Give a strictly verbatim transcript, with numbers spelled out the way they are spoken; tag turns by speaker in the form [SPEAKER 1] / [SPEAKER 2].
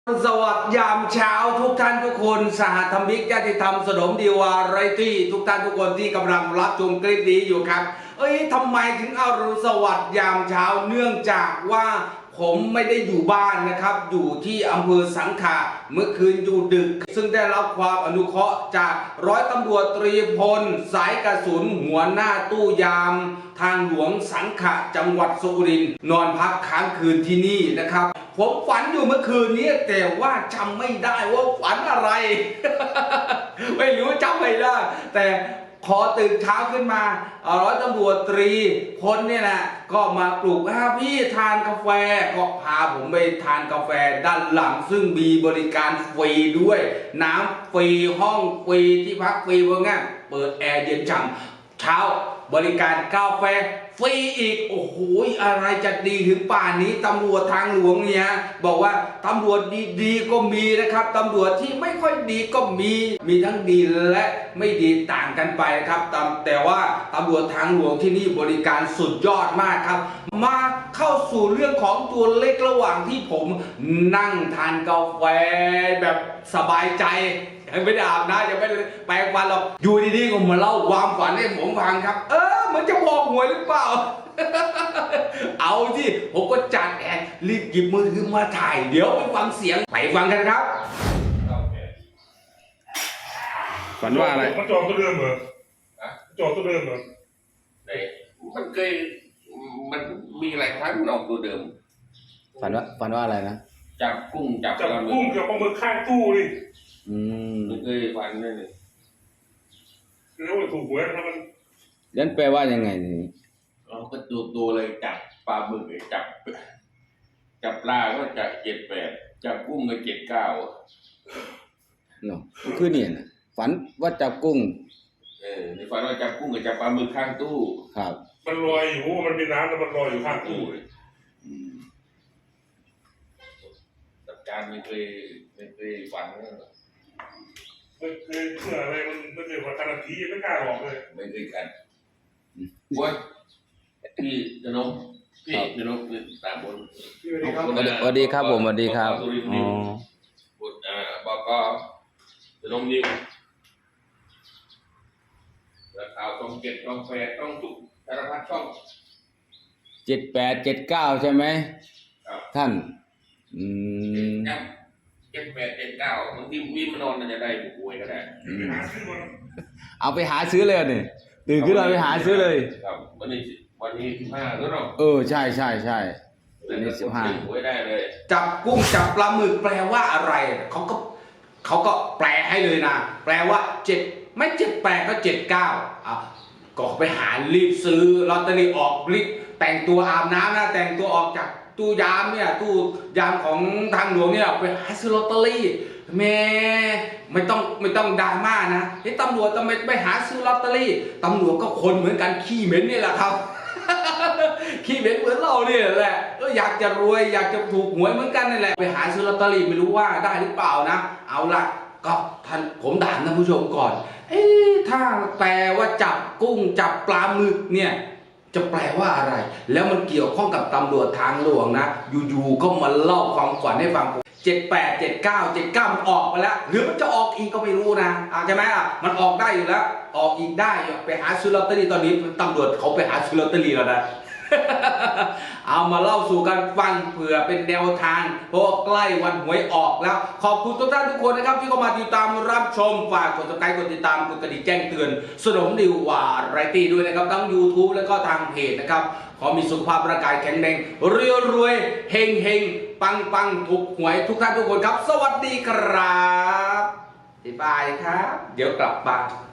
[SPEAKER 1] สวัสดียามเช้าทุกท่านทุกคนสหธรรมิกญาติธรรมสนมดีวาไรตี้ทุกท่านทุกคนที่กำลังรับชมคลิปนี้อยู่ครับเอ้ยทำไมถึงเอารุณสวัสดิ์ยามเช้าเนื่องจากว่าผมไม่ได้อยู่บ้านนะครับอยู่ที่อำเภอสังขะเมื่อคืนอยู่ดึกซึ่งได้รับความอนุเคราะห์จากร้อยตำรวจตรีพลสายกระสุนหัวหน้าตู้ยามทางหลวงสังขะจังหวัดสุรินทร์นอนพักค้างคืนที่นี่นะครับผมฝันอยู่เมื่อคืนนี้แต่ว่าจำไม่ได้ว่าฝันอะไร ไม่รู้จำไม่ได้แต่พอตื่นเช้าขึ้นมาร้อยตำรวจตรีพลเนี่ยนะก็มาปลุกให้พี่ทานกาแฟก็พาผมไปทานกาแฟด้านหลังซึ่งมีบริการฟรีด้วยน้ำฟรีห้องฟรีที่พักฟรีว่างั้นเปิดแอร์เย็นฉ่ำเช้าบริการกาแฟฟรีอีกโอ้โหอะไรจะดีถึงป่านนี้ตำรวจทางหลวงเนี่ยบอกว่าตำรวจดีๆก็มีนะครับตำรวจที่ไม่ค่อยดีก็มีมีทั้งดีและไม่ดีต่างกันไปครับแต่ว่าตำรวจทางหลวงที่นี่บริการสุดยอดมากครับมาเข้าสู่เรื่องของตัวเลขระหว่างที่ผมนั่งทานกาแฟแบบสบายใจยังไม่ได้อาบน้ำยังไม่ได้แปรงฟันหรอกอยู่ดีๆก็มาเล่าความฝันให้ผมฟังครับเออมันจะบอกหวยหรือเปล่า เอาสิผมก็จัดแอนรีบหยิบมือถือมาถ่ายเดี๋ยวไปฟังเสียงไปฟังกันครับฝันว่าอะไร
[SPEAKER 2] มันจองตัวเดิมเหรอจองตัวเดิมเหรอ
[SPEAKER 3] ไหนมันเคยมันมีหลายครั้งมันออกตัวเดิม
[SPEAKER 1] ฝันว่าฝันว่าอะไรนะ
[SPEAKER 3] จับกุ้งจับ
[SPEAKER 2] จับกุ้งกับปลาหมึกข้างตู้นี่
[SPEAKER 1] อืม
[SPEAKER 3] มันเคยฝันนั่นเลย
[SPEAKER 2] แล้วมันถูกหวยนะมัน
[SPEAKER 1] ยันแปลว่ายังไงนี่
[SPEAKER 3] เราก็ตัวตัวเลยจับปลาหมึกจับจับปลาก็จับเจ็ดแปดจับกุ้งก็เจ็ดเก้า
[SPEAKER 1] เนาะคือเนี่ยนะฝันว่าจับกุ้ง
[SPEAKER 3] เออในฝันว่าจับกุ้งกับจับปลาหมึกข้างตู้
[SPEAKER 1] ครับ
[SPEAKER 2] มันลอยอยู่มันมีน้ำแล้วมันลอยอยู่ข้างตู้เลย
[SPEAKER 3] จับการไม่เคยไม่เคยฝัน
[SPEAKER 2] ไม่เคยเชื่ออะไรมันไม่เคยว่าการันตีไม่กล้าบอกเลย
[SPEAKER 3] ไม่เคยกันว่าพี่กนกพี่กนกตามบน
[SPEAKER 1] สวัสดีครับผมสวัสดีครับอ๋อ
[SPEAKER 3] บุตรอ่าบอกก็กนกนิวแล้วข่าวต้องเก็บต้องแฟร์ต้องทุกสารพัดช่อง
[SPEAKER 1] เจ็ดแปดเจ็ดเก้าใช่ไหมท่านอืม
[SPEAKER 3] เจ็ดแปดเจ็ดเก้าบางทีวิ่งมานอนจะได้บุกวยก็ได้
[SPEAKER 1] เอาไปหาซื้อเลยนี่ตื่นขึ้นเราไปหาซื้อเลย
[SPEAKER 3] ครับวันนี้วันนี้สิบห้าแล้วเนาะ
[SPEAKER 1] เออใช่ใช่ใช่วันนี้สิบห้า
[SPEAKER 3] หวยได้เลย
[SPEAKER 1] จับกุ้งจับปลาหมึกแปลว่าอะไรเขาก็เขาก็แปลให้เลยนะแปลว่าเจ็ดไม่เจ็ดแปดก็เจ็ดเก้าอ่ะก็ไปหารีบซื้อลอตเตอรี่ออกรีบแต่งตัวอาบน้ำนะแต่งตัวออกจากตู้ยามเนี่ยตู้ยามของทางหลวงเนี่ยไปหาซื้อลอตเตอรี่แม่ไม่ต้องไม่ต้องดราม่านะไอ้ตำรวจทำไมไปหาซื้อลอตเตอรี่ตำรวจก็คนเหมือนกันขี้เหม็นนี่แหละครับ ขี้เหม็นเหมือนเราเนี่ยแหละก็อยากจะรวยอยากจะถูกหวยเหมือนกันนี่แหละไปหาซื้อลอตเตอรี่ไม่รู้ว่าได้หรือเปล่านะเอาละก็ท่านผมถามท่านผู้ชมก่อนเอ๊ะถ้าแปลว่าจับกุ้งจับปลาหมึกเนี่ยจะแปลว่าอะไรแล้วมันเกี่ยวข้องกับตำรวจทางหลวงนะอยู่ๆก็มาเล่าความฝันให้ฟังเจ็ดแปดเจ็ดเก้าเจ็ดเก้ามันออกไปแล้วหรือมันจะออกอีกก็ไม่รู้นะใช่ไหมอ่ะมันออกได้อยู่แล้วออกอีกได้ไปหาซื้อลอตเตอรี่ตอนนี้ตำรวจเขาไปหาซื้อลอตเตอรี่แล้วนะ เอามาเล่าสู่กันฟังเผื่อเป็นแนวทางเพราะใกล้วันหวยออกแล้วขอบคุณทุกท่านทุกคนนะครับที่เข้ามาติดตามรับชมฝากกดติดตามกดติดตามกดกระดิ่งแจ้งเตือนสนมดิววาไรตี้ด้วยนะครับทั้ง ยูทูบ แล้วก็ทางเพจนะครับขอมีสุขภาพร่างกายแข็งแรงเรียวรวยเฮงเฮงปังปังถูกหวยทุกท่านทุกคนครับสวัสดีครับบ๊ายบายครับเดี๋ยวกลับบ้าน